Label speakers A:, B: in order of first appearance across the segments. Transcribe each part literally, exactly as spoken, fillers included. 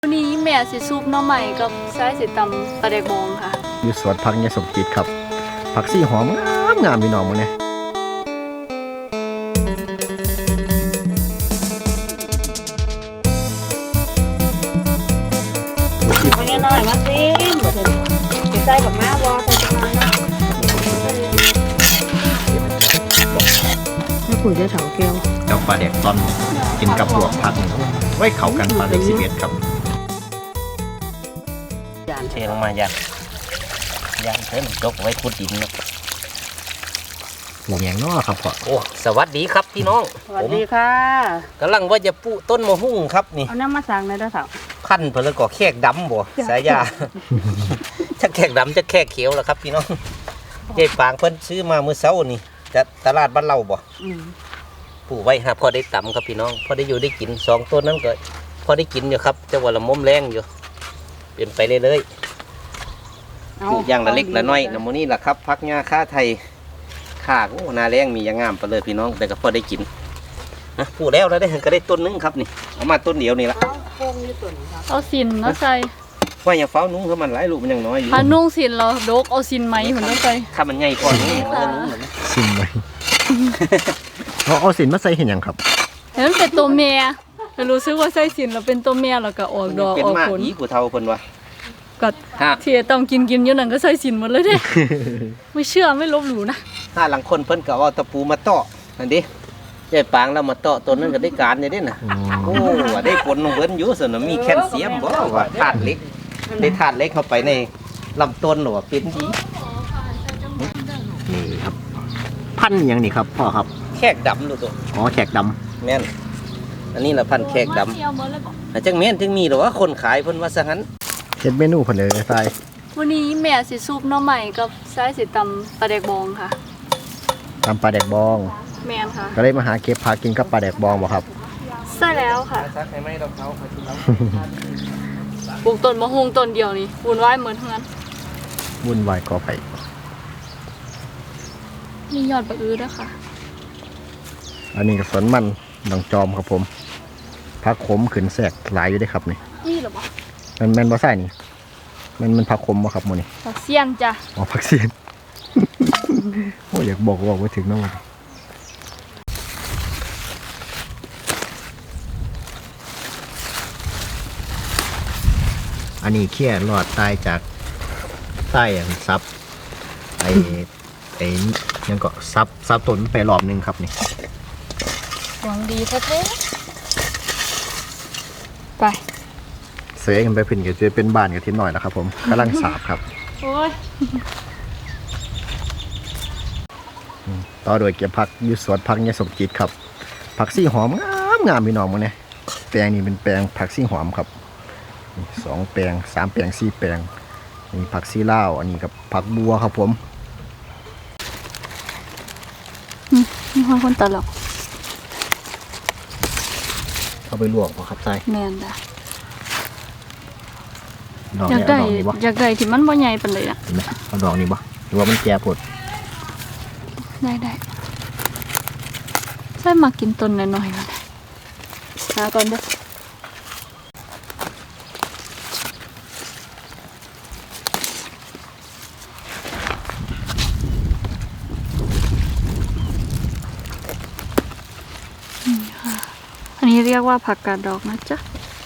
A: วันนี้แม่สิซุปน้องใหม่กับไส้สิตำปลาแดกบองค่ะ
B: อยู่สวนผักยายสมจิตครับผักซี่หอมงามงามพี่น้องมึงเนี่ย
C: มันยังน้อยมาซิมบ่ถึงสิใส่กับม้าวอใส่จังนั้นนะถ้าปุ๋ยจะเฉาแก้ว
B: เจ้าปลาแดกตอนกินกับลวกผักไว้เข้ากันปลาเล็กสิบเอ็ดครับ
D: เทลงมายันยันเพิ่มจกไว้ขุดดินเนาะ
B: หลงอย่างน้อครับพ่อ
D: โอ้สวัสดีครับพี่น้อง
C: สวัสดีค่ะ
D: กำลังว่าจะปูต้นมะฮุ่งครับนี่
C: เอาน้ำมาสั่งในเด้อสาว
D: ขั้นเพิ่นแล้วก็แขกดำบ่สายยาจะแขกดำจะแขกเขียวแล้วครับพี่น้องยายปางเพิ่นซื้อมาเมื่อเช้านี่จากตลาดบ้านเราบ่ปลูกไว้ครับพอได้ตำครับพี่น้องพอได้อยู่ได้กินสองต้นนั้นก็พอได้กินอยู่ครับจะว่าละมุมแรงอยู่เปลี่ยนไปเรื่อยๆปลูกอย่างละเล็กละน้อยน้ำมันนี่แหละครับพักงาค่าไทยข้าโอ้นาแรงมีอย่างงามไปเลยพี่น้องแต่ก็พอได้กินนะปลูกแล้วแล้วได้ก็ได้ต้นนึงครับนี่เอามาต้นเดียวนี่ละ
A: เอาสินเนาะใส่
D: ว่าอย่างเฝ้านุ้งเขามันหลายลูกมันยังน้อยอยู่
A: ถ้านุ่งสินเราดกเอาสินไหมเหมือนต้องใส่
D: ถ้ามันใหญ่พอนี้เออนุ้งเหมือน
B: สินไหมเอาเอาสินมาใส่เห็นยังครับ
A: เห็นมันเป็นตัวเมียแต่รู้สึกว่าใส่สินเราเป็นตัวเมียแล้วก็ออกดอกออกผล
D: อีกูเท่าเพิ่นวะ
A: ก็ที่ต้องกินกินอยู่นั่นก็ใส่สินหมดเลยเด้ไม่เชื่อไม่ลบหลู่นะ
D: ถ้าหลังคนเพิ่นก็เอาตะปูมาเตาะนั่นดิยายปางแล้วมาเตาะต้นนั้นก็ได้การเนี่ยเด้น่ะโอ้ได้ผลลงเบิ้นอยู่ส่วนมีแคลเซียมบ่ว่าธาตุเหล็กได้ธาตุเหล็กเข้าไปในลำต้นหรอเป็นดี
B: นี่ครับพันอย่างนี้ครับพ่อครับ
D: แขกดำดูตัว
B: อ๋อแขกดำ
D: แม่นอันนี้ละพันแขกดำแต่จังแม่นจังมีหรอว่าคนขายเพิ่นว่าซะงั้น
B: เฮ็ดเมนูเพิ่นเลยใส่
A: วันนี้แม่สิซุปน้องใหม่กับไส้สิตำปลาแดกบองค่ะ
B: ตำปลาแดกบอง
A: แม่นค่ะ
B: ก็เลยมาหาเก็บผักกินกับปลาแดกบองบ่ครับ
A: ใช่แล้วค่ะ
D: ซักให้ไม่ต้องเขา
A: ปลูกต้นมะฮุ่งต้นเดียวนี่วุ่นวายเหมือนทั้งนั้น
B: วุ่นวายกอไผ่
A: มียอดบะอื้อด้วยค่ะ
B: อันนี้ก็สวนมันดองจอมครับผมผักขมขึ้นแสกหลายอยู่ได้ครับนี่
A: นี่หรอปะ
B: มันแม่นบ่ใส่นี่มันมันผักขมบ่ครับมื้อนี้
A: ผักเสี้ยนจ้ะ
B: อ๋อผักเสี้ยนโอ้อยากบอกบอกไว้ถึงน้องอันนี้เขี้ยรอดตายจากใต้อย่างซับไอ้ไอ้ยังก็ซับซับต้นไปรอบนึงครับนี่
A: หวังดีแท้ๆไป
B: เสือกันไปพิ่นก็จะเป็นบ้านกับทีหน่อยนะครับผมกำลังสาบครับ
A: โอ้ย
B: ต่อโดยเก็บผักอยู่สวนผักยายสมจิตครับผักซี่หอมงามงามพี่น้องมึงเนี่ยแปลงนี้เป็นแปลงผักซี่หอมครับสองแปลงสามแปลงสี่แปลงนี่ผักซี่ลาวอันนี้กับผักบัวครับผม
A: นี่คนคนตลก
B: เอาไปลวกป่ะครับใส่
A: แม่นจ้ะ
B: อยากได้
A: อยากได้ที่มันบ่ใหญ่ปานใดน่ะ
B: เอาดอกนี้บ่หรือว่ามันแก่ปวด
A: ได้ได้ใส่มากินต้นหน่อยๆก่อนหาก่อนเด้ออันนี้เรียกว่าผักกาดดอกนะจ๊ะ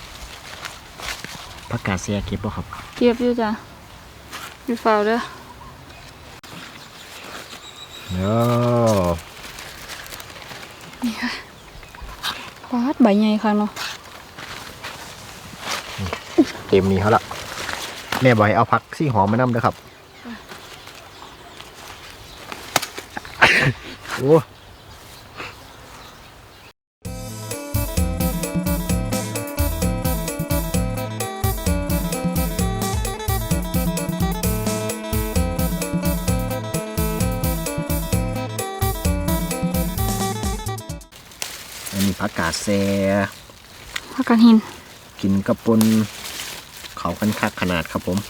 B: ผักกาดเสียเก็บป่ะครับ
A: เก็บอยู่จ้ะอยู่เฝ้าเด้อ
B: เนาะ
A: นี่ค่ะวาดใบใหญ่ค่ะเนาะ
B: เต็มนี้เขาละแม่บอกให้เอาผักซี่หอมมานํด้วยครับโอ้ผักกาดแซ่
A: ผักกาดหิน
B: กินกระปนเขากันคักขนาดครับผม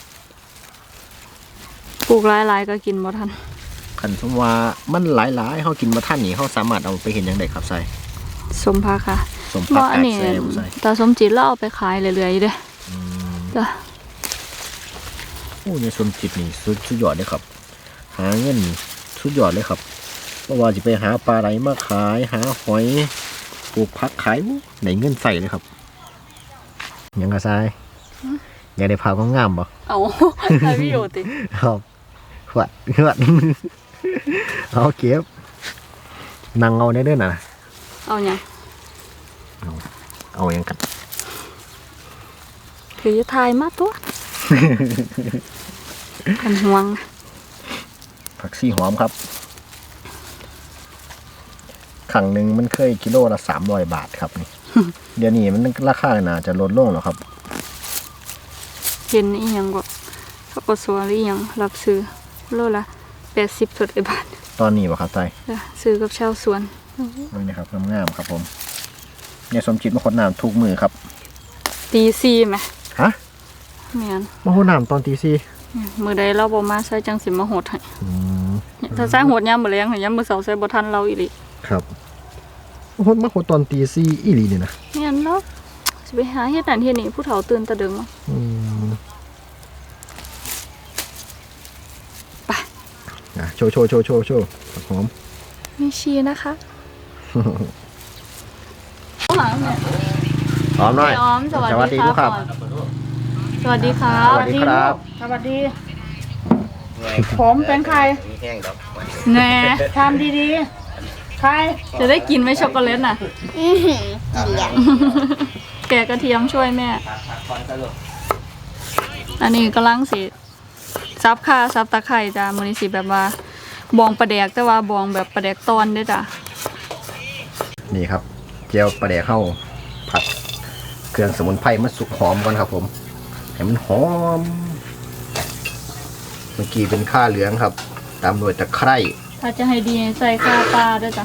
A: ปลูกหลายๆก็กินบ่ทัน
B: ขันสมว่ามันหลายๆเขากินมาท่านนี้เขาสามารถเอาไปเห็นอย่างไรครับใส่
A: สมพักค่ะ
B: มผัก
A: ว่าอัน
B: กาด
A: นี้
B: ใส่บ่ใส่
A: ตาสมจิตเราเอาไปขายเรื่อยๆเด้จ้ะ
B: โอ้ยสมจิตนี่สุดสุดยอดเลยครับ หาเงินนี่สุดยอดเลยครับเพราะว่าจะไปหาปลาไหลมาขายหาหอยปลูกผักขายไหนเงินใส่เลยครับยังกระซายอยากได้ผักงามๆบ่
A: เอาใช้ประโยชน์ติ
B: ครับหวัดหวัด เอาเก็บนั่งเอาได้ด้วยนะ
A: เอาหยัง
B: เอาเอาอย่างกัน
A: ถือทายมาตัวกันห่วงนะ
B: ผักซี่หอมครับขังหนึ่งมันเคยกิโลละสามร้อยบาทครับนี่ เดี๋ยวนี้มันราคาน่าจะลดลงแล้วครับ
A: เห็นอีหยังก็เขาก็สวนอีหยังรับซื้อโลละแปดสิบสดไอบาท
B: ตอนนี้ป่ะครับใจ
A: จ้ะซื้อกับชาวสวน
B: นี่นะครับงามๆครับผมเนี่ยสมจิตมาขดน้ำทุกมือครับ
A: ตีซีไหม
B: ฮะ
A: แม่น
B: มาขดน้ำตอนตีสี่
A: มือใดเราบ่มาใส่จังสิมาโหดให้
B: อืม
A: ถ้าใส่โหดยามมื้อแลงให้ยามมื้อเช้าใส่บ่ทันเราอีหลี
B: ครับมาขดมาขดตอนตีสี่อีหลีนี่นะ
A: แม่นเนาะสิไปหาเฮ็ดนั่นเฮ็ดนี่ผู้เฒ่าตื่นแตะดึงมา
B: อืม
A: ไป
B: อ่ะโชว์โชว์โชว์โชว์โชว์ผักหอม
A: มีชีนะคะหาแม่
B: หอมหน่อย
A: พี่อ้อมสวัส
B: สวัสดี
A: ดี
B: ลูกครับ
A: สวัสดีครับ
B: สวัสดีครับ
C: สวัสดี ผมเป็นใคร
D: มีแห้งดอก
A: แหน่
C: ทำดีๆ ใคร
A: จะได้กินไหมช็อกโกแลตน่ะแกะกระเทียมช่วยแม่ อันนี้กำลังสิซับข่าซับตะไคร่จ้ะมื้อนี้สิแบบว่าบองปลาแดกแต่ว่าบองแบบปลาแดกตอนเด้อจ้ะ
B: นี่ครับเจียวปลาแดกเข้าผัดเครื่องสมุนไพรมันสุกหอมก่อนครับผมให้มันหอม เมื่อกี้เป็นข้าเหลืองครับ ตามด้วยตะไคร้
A: ถ้าจะให้ดีใส่ข่าปลาด้วยจ้ะ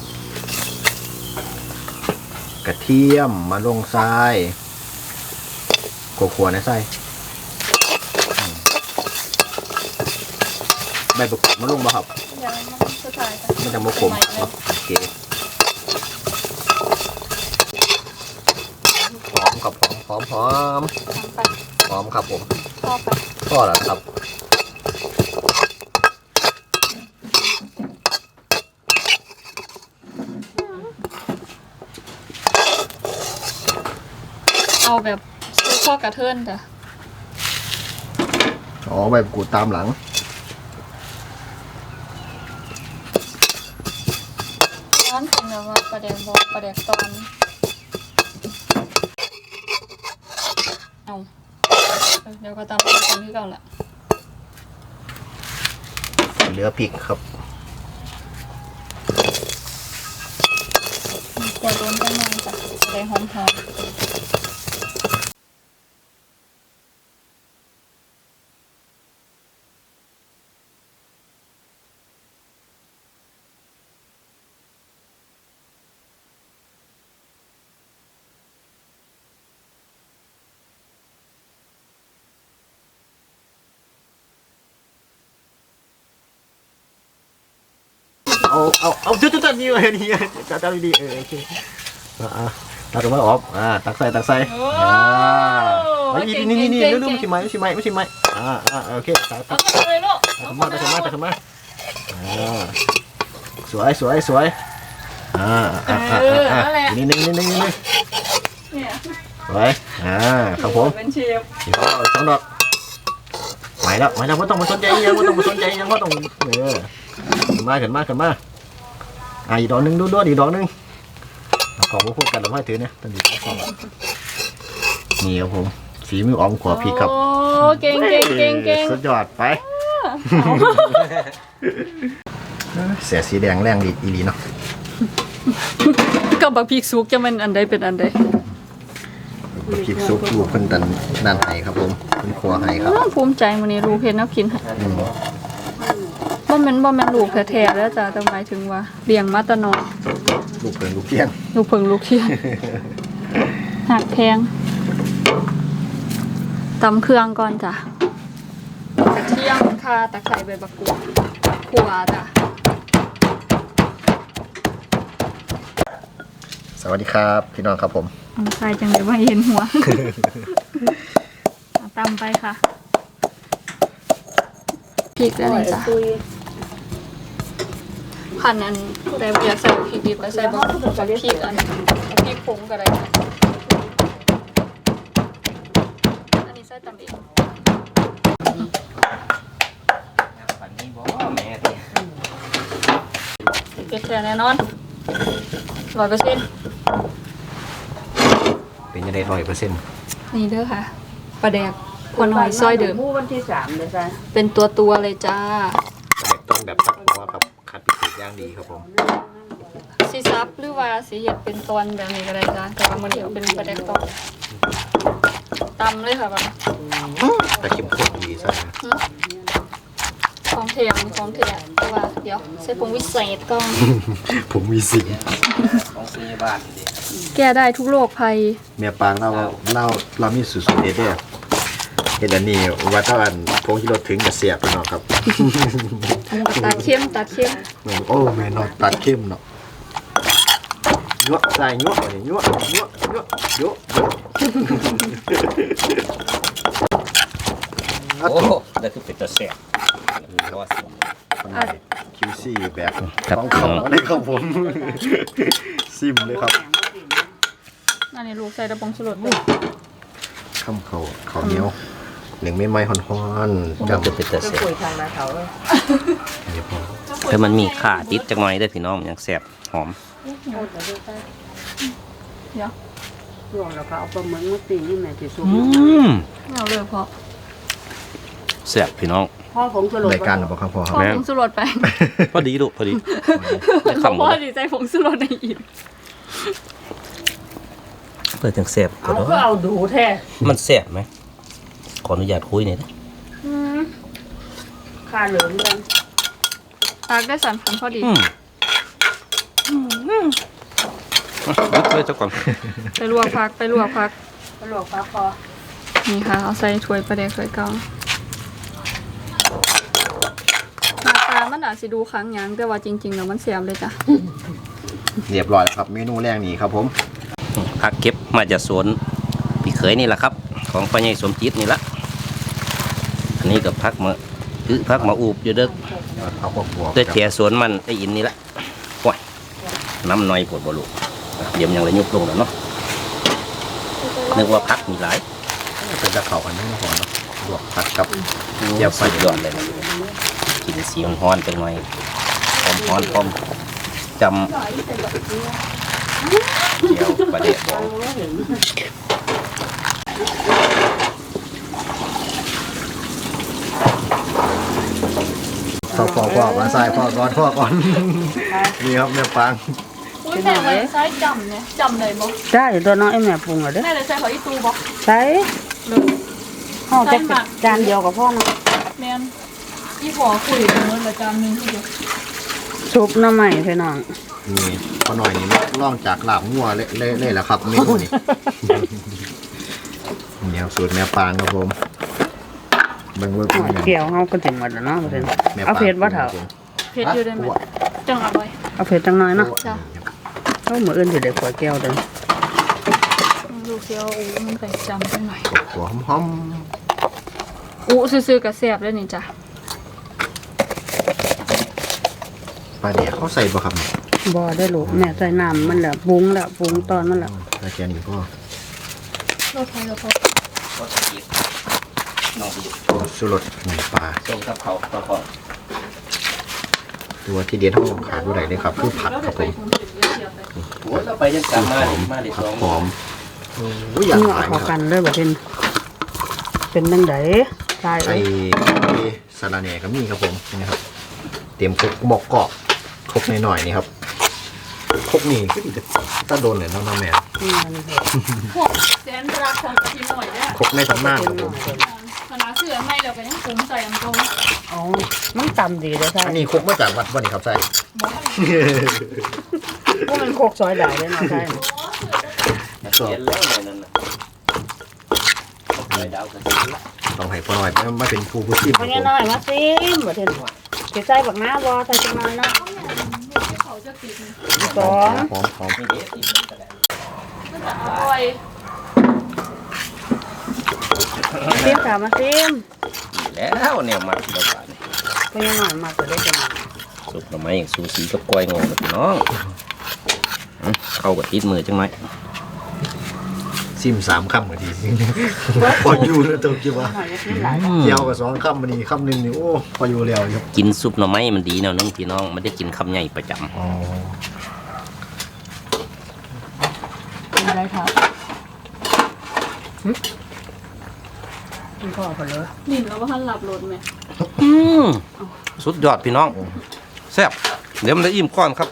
B: กระเทียมมาลงทรายขัวๆนะทรายอืมใบประกอบมาลงบ่ครับ
A: ยังมันสุดท้ายจ้ะ
B: ไม่ต้องมาขมครับโอเคหอมครับหอมหอมหอม
A: ไป
B: หอมครับผม
A: ชอบไป
B: ก็แล้วครับ
A: เอาแบบซื้อข้อกระเทินจ้ะ
B: อ๋อใบกูดตามหลัง
A: ร้านเป็นแบบว่าปลาแดกบองปลาแดกตอนเอาเดี๋ยวก็ตามไปกันที่เก่าละ
B: เหลือพริกครับ
A: กดโดนกันหน่อยจ้ะจะได้หอมหอม
B: เอาเอาเอาจุดจุดนี่เลยนี่จับจับดีๆเออโอเคอ่าตักออกมาออกอ่าตักใส่ตักใส่อ่าไอ้นี่นี่นี่เร็วๆไม่ใช่ไหมไม่ใช่ไหมไม่ใช่ไหมอ่าอ่าโอเคตักตั
A: เอา
B: ก
A: ไปเลยลูก
B: ตักขึ้นมาตักขึ้นมาตักขึ้นมาอ่าสวยสวยสวยอ่าอ่าอ่าอ่านี่นี่นี่นี่นี่
A: เนี่ย
B: สวยอ่าครับผม
A: เป็นเชฟ
B: เดี๋ยวสองดอกไหวแล้วไหวแล้วไม่ต้องมาสนใจยังไม่ต้องมาสนใจยังก็ต้องเออขึ้นมาขึ้นมาขึ้นมาอ่ะอีกดอกหนึ่งดูด้วยอีกดอกหนึ่งเอาของพวกกันเราให้ถือเนี่ยตอนนี้ของนี่ครับผมฝีมืออ๋อมขวบพริกครับ
A: โอ้เก่งเก่งเก่งเก่ง
B: สุดยอดไปเสียสีแดงแรงดีอีหลีเนาะ
A: ก็บักพริกสุกจะมันอันใดเป็นอันใด
B: พริกซุปลูกเพิ่นตันนันไห้ครับผมเพิ่นครัวไห้ครับ
A: อ้าวภูมิใจมื้อนี้ลูกเฮ็ดแน้ำกินให้
B: อืม
A: บ่แม่นบ่แม่นลูกแท้ๆแล้วจ้ะแต่หมายถึงว่าเลี้ยงมาแต่น้อย
B: ลูกเพิ่นลูกเทียน
A: ลูกเพิ่งลูกเทียน หักแพงตำเครื่องก่อนจ้ะกระเทียมข่าตะไคร้ใบมะกรูดขั่วจ้ะ
B: สวัสดีครับพี่น้องครับผม
A: ใส่จังเลยว่าเห็นหัว เอาตำไปค่ะพริกแล้วนี่จ้ะพันอันผู้ใดอยากใส่พริกดิบก็ใส่บ่พริกอันพริกผงก็ได้ค่ะอันนี้ใส่ตำเอง
D: ปันนี้บ่แม่ติ
A: เผ็ดแท้แน่นอนร้อยเปอร์เซ็นต์
B: เป็นยังไงร้อยเปอร์เซ็นต์
A: นี่เด้อค่ะปลาแดกพอน้อยซอยเดิม
C: มู่วันที่สามเลยจ้ะ
A: เป็นตัวตัวๆเลยจ้า
B: แบบต้นแบบพักหัวครับคัดพิเศษย่างดีครับผม
A: สีซับหรือว่าสีเห็ดเป็นตอนแบบนี้ก็ได้จ้าแต่ว่ามันเดียวเป็นปลาแดกตอนตำเลยค่ะแบบ
B: แต่เข้มข้นดีใช่ไหม
A: ของเทียมของเทียมแต่ว่าเดี๋ยวใส่ผงวิเศษก่อน
B: ผมมีสิง
D: ของซื้อบ้านดิ
A: แก้ได้ทุกโรคภัย
B: เมียปางเราเราเรามีสูตรเด็ดเนี่ยเห็นอันนี้ว่าถ้าอันพงที่รถถึงจะเสียบพี่น้องครับ
A: ตัดเข้มตัดเข้ม
B: เหมือนโอ้แม่นอนตัดเข้มเนาะยั่วใส่ยั่วเลยยั่วยั่วยั่วยั่วยั่ว
D: โอ้นั่นคือเป็นตัวแซ่บรอดสิ
B: คิวซี่แบบต้องเขาเลยครับผม ซิมเลยครับ
A: อันนี้ลูกใส่ตะปองสลดไป
B: ข้ามเขาเขาเหนียวหนึ่งไม่ไม้ฮ้อนๆ
D: นั่น
B: ดำ
D: คือเป็นตัว
C: จะ
D: แซ่บ
C: คุยทางนาเขาเลย
B: เดี๋ยวพอ
D: แต่มันมีข่าติดจักหน่อยเด้อพี่น้องอย่างแซ่บหอม
A: เดี๋ยว
C: ช่วงแล้วก็เอาปลาหมึกมาตีนี่แม่ที่สุด
D: อืม
A: เอาเลยพอ
D: แซ่บพี่น้อง
C: พ่อผมสลบ
B: รายการหรือเปล่าครับพ่อค
A: พ
B: รับ
A: อ
D: แม่
A: ผงสลดไป
D: พอดีลูกพอดีจะ
A: พ่
D: คำหม
A: อ
D: ด
A: ดีใจผงสลดในอีก
D: เพื่อจังแซ่บก็
C: เอา
D: เนาะ
C: ก็เอาดูแท้
D: มันแซ่บไหมขออนุญาตคุยหน่อยนะ
C: ค่าเหลืองกัน
A: ตักได้สันพันพอดี
D: อืมยึดเลยเจ้าก่อน
A: ไปลวกพักไปลวกพัก
C: สลบฟ้าคอ
A: นี่ค่ะเอาใส่ถ้วยปลาแดกถ้วยเก่าหน้าตามันอาจสิดูค้างหยังแต่ว่าจริงๆแล้วมันเสียบเลยจ้ะ
B: เรียบร้อยแล้วครับเมนูแรกนี้ครับผม
D: ผักเก็บมาจากสวนพี่เขยนี่แหละครับ ของป้าใหญ่สมจิตนี่ละอันนี้กับพักมาคือพักมาอูบอยู่เด้อ
B: เอาพวกบวก
D: เด้อแถสวนมันไอ้อินนี่ละว้ายน้ำน้อยปวดบลูกเดี๋ยวยังเลยยุบลงแล้วเนาะนึกว่าพักมีหลาย
B: เป็นจะเข่ากันนั่งพอเนาะบวกผัดกับ
D: เดี๋ยวสุดยอดเลยนะกินสีฮ้อนๆจังหน่อยพร้อมฮ้อนพร้อมจำเจียวปลาเดะบอง
B: พ่อพ่อพ่อมาใส่พ่อก่อนพ่อก่อน นี่ครับเนื้อปัง
A: อุ้ยแม่เลยใช้จำเนี่ยจำเลยบอก
C: ได้ตัวน้องไอ้แม่ปรุงเหรอเด้อ
A: แม่เลยใช้หอยตูบอก
C: ใช้ห่อจะจานเดียวกับพ่อนะ
A: แม่นอีหัวคุยกันเลยละจานหนึงทีเดียว
C: ซุปน้ำใหม่พี่น้อง
B: นี่พอหน่อยนี่ล่องจากลาบงัวเละเละแหละครับเมนูนี้ นี่ครับสูตรแม่ปางครับผมเบิ่งเบิ่ง
C: ห่อ
B: เบิ่ง
C: เกี่ยวเฮาก็ถึงหมดแล้วเนาะเพิ่น
B: แม่ปง
C: เอาเผ็ดบ่เถา
A: เผ็ดอยู่ได้ไหมจังอร่อย
C: เอาเผ็ดจังน้อยเนาะ
A: จ้ะ
C: เอามื้ออื่นสิได้ขวดแก้วเด้อ
A: ลูกเสียวอู้มันไปจำจังหน่อย
B: หัวหอม
A: อู้ซื่อๆกับแซ่บเลยนี่จ้ะ
B: ๆปลาเดี๋ยวเขาใส่บ่ครับเนี่ย
C: บ่ได้ลูกแม่ใส่น้ำมันแล้วปรุงแล้วปรุงตอนมันแล้ว
B: ใส่แค่นี้พ่อ
A: รสไทยแล้วพอ
D: ก็จะกินน้องไปอยู่
B: สุรสหนึ่งปลา
D: ส้มกับเขาก็พอ
B: ตัวที่เดียนห้องขาดด้วยไหนเลยครับคือผัดครับผม
D: โอ้ยเราไปยังกลับมาดิมาดิส
B: ผั
D: อ
B: ด
D: ง
B: หอมโอ้ยอยาก
C: เนื้อ
B: ขาย
C: เข้า
B: ค
C: กั
B: รับ
C: นเลยบ่เป็นเป็นจังได๋ตาย
B: ไอ้
C: เอ้ย
B: สาระแหน่ก็มีครับผมนี่ครับเตรียมครกบอกกรอบครกหน่อยๆนี่ครับครกนี่ก็ดีแต่ถ้าโดนเลยน้องน้ำแม่
C: อืมนี่เผ็ด
A: พวกแสนรักของกะทิหน่อยเนี่ย
B: ครกในตำนานครับผม
A: คณะเสือไม่แล้วก็ยังปรุงใส่อันตรง
C: อ๋อมันตำดีเด้อใช่
B: อันนี้ครกมาจากวัดวันนี้ครับใช่
C: พวกมันโคกซอยได้เด้อเนาะใช่
D: เขียนแล้วเลยนั่นน่ะไปดาวกัน
B: ต้องให้พ่อหน่อยมาเป็นผู้ผู้ชิมค
C: เพ
B: รับ
C: ราะ
B: ผ
C: งั้น
B: ม
C: น้อยมาซิมบ่เห็นสิใส่บักน้าบ่ใส่จังน้อยเนาะ
A: เขาจะติด
C: สอง
B: หอมหอม
D: มีเด็ดอีกก็ได้
A: มันจะอร่อย
C: ซิมค่ะมาซิม
D: แล้วเนี่ยมาเดี๋ยวก่อน
C: เพิ่นยังหน่อยมาจะได้จัง
D: สุกหน่อไม้อย่างซูซีกับกล้อยงอเลยพี่น้องอื้อเข้ากับติดมือจังไหม
B: ซิมสามคำก็ดีพออยู่แล้วตัวคิดว่า
C: หน่อยจะซิมหลาย
B: เกี่ยวกับสองคำมันนี่คำหนึ่งนี่โอ้พออยู่แล้วครับ
D: กินซุปหน่อไม้มันดีแนวนึงพี่น้องไม่ได้กินคำใหญ่ประจำ
B: อ๋อ
C: กินได้ค่ะกินข้าวพอเลย
A: นิ่มแล้วว่าท่านหลับรถไหม
D: อืมสุดยอดพี่น้องแซ่บเดี๋ยวมันจะอิ่มก้อนครับ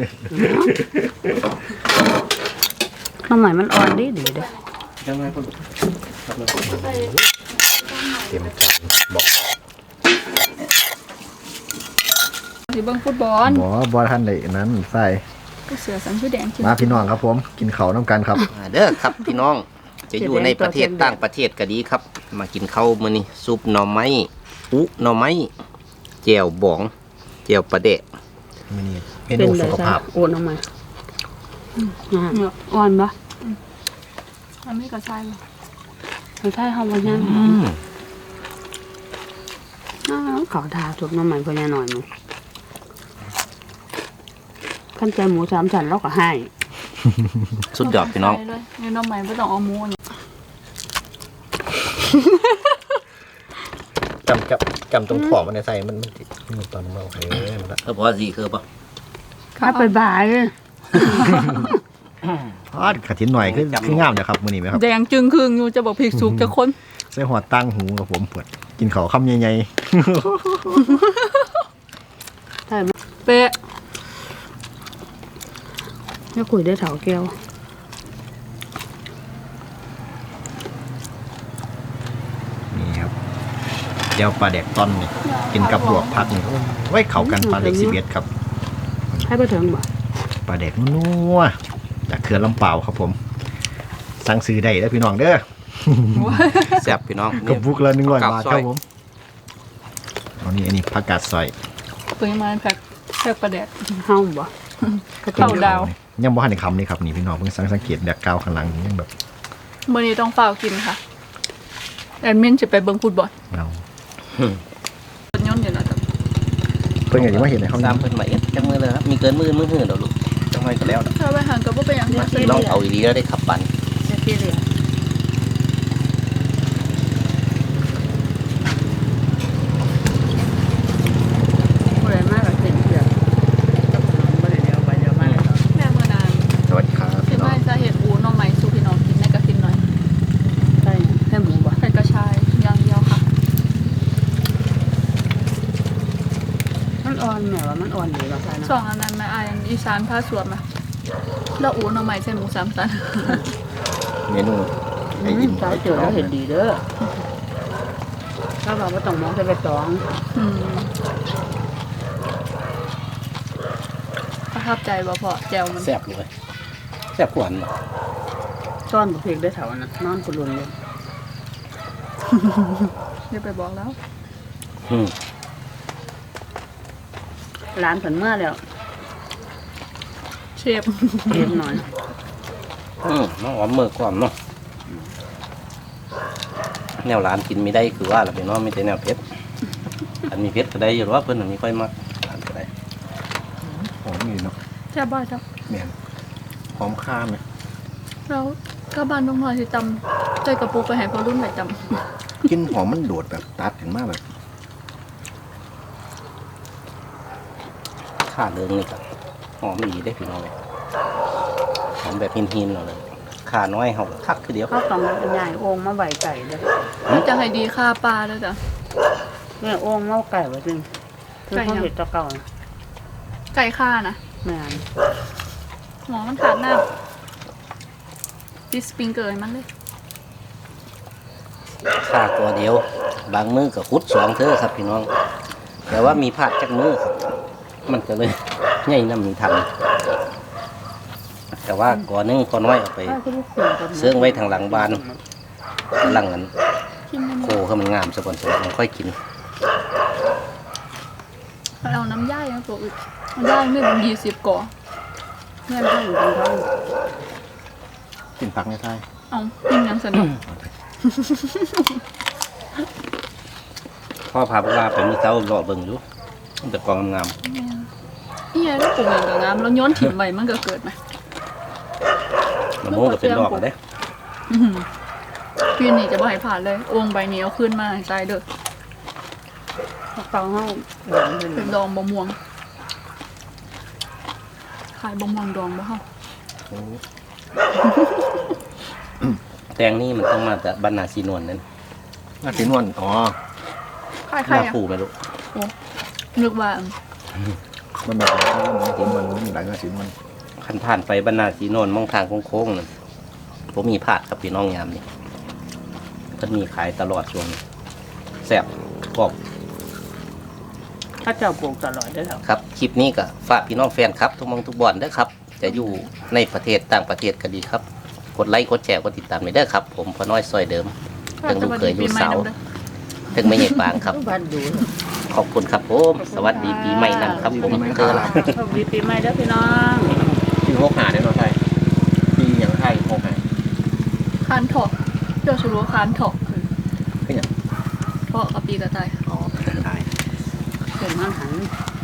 C: ข้าวใหม่มันอ่อนดีดีเด้อ
D: ยังไงพ่อ
A: ใส่
B: เต็มจานบอก
A: สีเบิ้งฟุตบอล
B: หมอบอท่านเลยนั้นใส่
A: เสือสังชื่อแดงจริง
B: มาพี่น้องครับผมกินเขาวน้ำกันครับ
D: มาเด้อครับพี่น้องจะอยู่ในประเทศต่างประเทศก็ดีครับ มากินข้าวมื้อนี้ซุปหน่อไม้อุหน่อไม้แจ่วบองแจ่วปลาเดะ
B: มินี่เม
C: เป็น
B: นู
C: เล
B: สุ
C: ย
B: ข
C: จ้ะ
B: ภาพ
C: โอนออกมาอ่าอ่อนปะ
A: มันไม่กระชายเลย
C: ไม่ใช่ห้องพญาอ้าวเขาทาจุบน้ำมันพญาหน่อยมั้งขั้นใจหมูสามชั้นแล้วก็ให้
D: สุดยอดพี่น้อง
A: เลยนี่น้องใหม่ไม่ต้องเอาหมูเนี่ย
B: จำกับจำตรงขอบมันในใส่มันมันติดมันตอนมันโอเคมันละ
D: เออพอสิคือปะ
C: ข้าไปบ่ายเลย
B: ทอดกระถินหน่อยคือคืองามนะครับมื้อนี้ไหมครับ
A: แดงจึงครึ่งอยู่จะบอกพริกสุกจะคน
B: ใส่หัวตั้งหูกับผมปวดกินเขาวคำใหญ่
C: ใช่ไหม
A: เป๊ะ
C: ไม่คุยได้เถาแก้ว
B: ๆนี่ครับเดี๋ยวปลาแดกต้อนนี่กินกับลวกผักนี่ไว้เขากันปลาเล็กสิบเอ็ดครับ
C: ให้ไปถึงบ่
B: ปลาแดกนัวๆจากเขื่อนลำเปล่าวครับผม สั่งซื้อได้แล้วพี่น้องเด้อ
D: แซ่บพี่น้อง
B: กระบุกละหนึ่งร้อย
D: ผัก
B: บาท
D: ซ
B: ค
D: อ
B: รั
D: ย
B: บผมอันนี้อันนี้ผักกาดซอย
A: ตัวนี้มาแพ็คแพ็คประแดด
C: เฮาบ่
A: เข้าดาว
B: ยังบ่ทันในคำนี่ครับนี่พี่น้องเพิ่งสังสังเกตแดกกาวข้างหลังนี่ยังแบบ
A: มื่อนี้ต้องเฝ้ากินค่ะแอดมินจะไปเบิ้งฟุตบอล
B: เรา
A: รถยนต์อยู่นะจ๊ะ
B: เพิ่งอย่างที่ว่าเห็นในเขา
D: ตามเพิ่นมาเอ็ดจังมือเลยครับมีเกินมือมือหื้อเดี๋ยวลูกจังไงก็แล้วนะ
A: ถ้าไปห่างก็บ่เป็นอย่างนั้น
D: ลองเอาอีหลีแล้วได้ขับปั่น
C: เสียพี่เลยผู้ใดมากกับเสียงเสียงก็ขนมบ่ได้เดียวไปเดียวมาเลยเนาะ
A: แม่เมื่อนาน
B: สวัสดีครับ
A: คิ
B: พี่
A: ด
B: น้อ
A: ว่าง จะเห็นอูน้องใหม่สู้พี่น้องกินในกระทินหน่อย
C: ใช่ให้หมูบ่
A: ใส่กระชายอย่างเดียวค่ะ
C: มันอ่อนแหมว่ามันอ่อนดีกว่าใช่
A: สอ
C: เนาะ
A: งอันนั้นแม่อายอีสานผ้าสวมอะแล้วอูน้องใหม่ใส่หมูสามสัน
B: เมนูไอ้
C: อื
B: อิ่
C: ม
B: ม
C: สายเจอแล้วเห็นดีเด้อถ้าบอกว่าต้องมองจะไปตอง
A: อืมประทับใจบ่พอแจวมัน
D: แซ่บเลยแซ่บกว่าอันบ่
C: ซ่อนบุพริกได้เถานะนอนกุลุนเลย
A: เดี๋ยวไปบอกแล้ว
D: อืม
C: ร้านผันเมื่อแล้ว
A: เชฟ
C: เค็มหน่อย
D: อืมน้องหอมมือก่อนเนาะแนวร้านกินไม่ได้คือว่าล่ะพี่น้องไม่ใช่แนวเผ็ดอันมีเผ็ดก็ได้อยู่หรอว่าเพิ่นอันนี้ค่อยมักร้านก็ได้
B: หอมอยู่เนาะ
A: แซ่บบ่อยจ้ะ
B: แม่นหอมข้ามเลย
A: แล้วก็บ้านน้องพลอยสิจำใจกระปุกไปให้พอรุ่นไหนจำ
B: กินหอมมันโดดแบบตัดถึงมากแบบ
D: ข้าเรืองนี่ก็หอมดีได้พี่น้องเลยหอมแบบหินๆเราเลยข้าน้อยเขาก็คักคือเดียว
C: ข้าวตองเป็นใหญ่โอ่งมาใบไก่เด้อ
A: จะให้ดีค่าปลาด้วยจ้ะ
C: เนี่ยโอ่งเมาไก่ไว้ซึ่งคือเขาเห็ดตะเก่านะ
A: ไก่ค่านะ
C: แม่น
A: หมอมันขาดน้ำดิสปริงเกอร์ให้มันเลย
D: ข้าตัวเดียว บางมือก็คุดสองเธอครับพี่น้อง แต่ว่ามีพลาดจากมือครับมันก็เลยใหญ่น้ำมีทัน แต่ว่าก่อนนึงพอน้อยเอาไป
C: ข้าวคือลูกเสือกับหมู
D: เสื่องไว้ทางหลังบ้าน หลังนั้น
A: กินได้หม
D: โค
A: ด
D: ให้มันงามซะก่อนสมันค่อยกิน
A: เอาน้ำย่ายมาปลูกอีกมันได้ไม่เป็นยี่สิบก่อ
C: เพื่อนท่านกันท้อง
B: กินผักในไทย
A: เอากินยังสนุก
D: พ่อพาพวกเราไปมื้อเช้ารอเบิ่งอยู่มันจะกองงาม
A: นี่ไงถ้าปลูกอย่างกับงามแล้วย้อนถิ่นไว้มันก็เกิดไหม
D: ๆมะม่วงก็เป็นดอกเด้
A: อื้อหือปีนี้จะบ่ให้ผ่านเลยโอ่งใบนี้เอาขึ้นมาให้ใส่เด้อ
C: ฟังให้หลังเป็น
A: เป็นดองบะม่วงขายบะม่วงดองบ่เฮา
D: แตงนี่มันต้องมาจากบ้านนาซีนวลนั่น
B: น่าสีนวลอ๋อ
A: ขาย
D: ห
A: ใคร
D: น้า
A: อ่ะ
D: ปูไม่รู้
A: นึกว่า
B: มันแบบน่าสีนวลมันมีหลายน่าสีนวล
D: ขันผ่านไปบ้านนาซีนวลมองทางโค้งๆนั่นผมมีผาดครับพี่น้องยามนี่เพิ่นมีขายตลอดช่วงนี้แซ่บกรอบ
C: ถ้าเจ้าปลูกตลอดได้แล้ว
D: ครับคลิปนี้ก็ฝากพี่น้องแฟนครับทุกหมองทุกบอนเด้อครับ จะอยู่ในประเทศต่างประเทศก็ดีครับ กดไลค์กดแชร์กดติดตามไปเด้อครับ ผมพอน้อยซอยเดิม ถึงลูกเคยลูกสาว ถึงไม่ใหญ่ปางครับ
C: บ้านดู
D: ขอบคุณครับผมสวัสดีปีใหม่นะครับผมเจอละ
C: สวัสดีปีใหม่เด้อพี่น้อง
B: ปีหกหาได้เนาะไทยปีอย่างไทยหกหา
A: คานถอกเดี๋ยวจะรู้ว่าคานถอก
B: เป็นอย่าง
A: เพราะกับปีกระต่าย
B: อ๋อไทย
C: เกิดมันหัน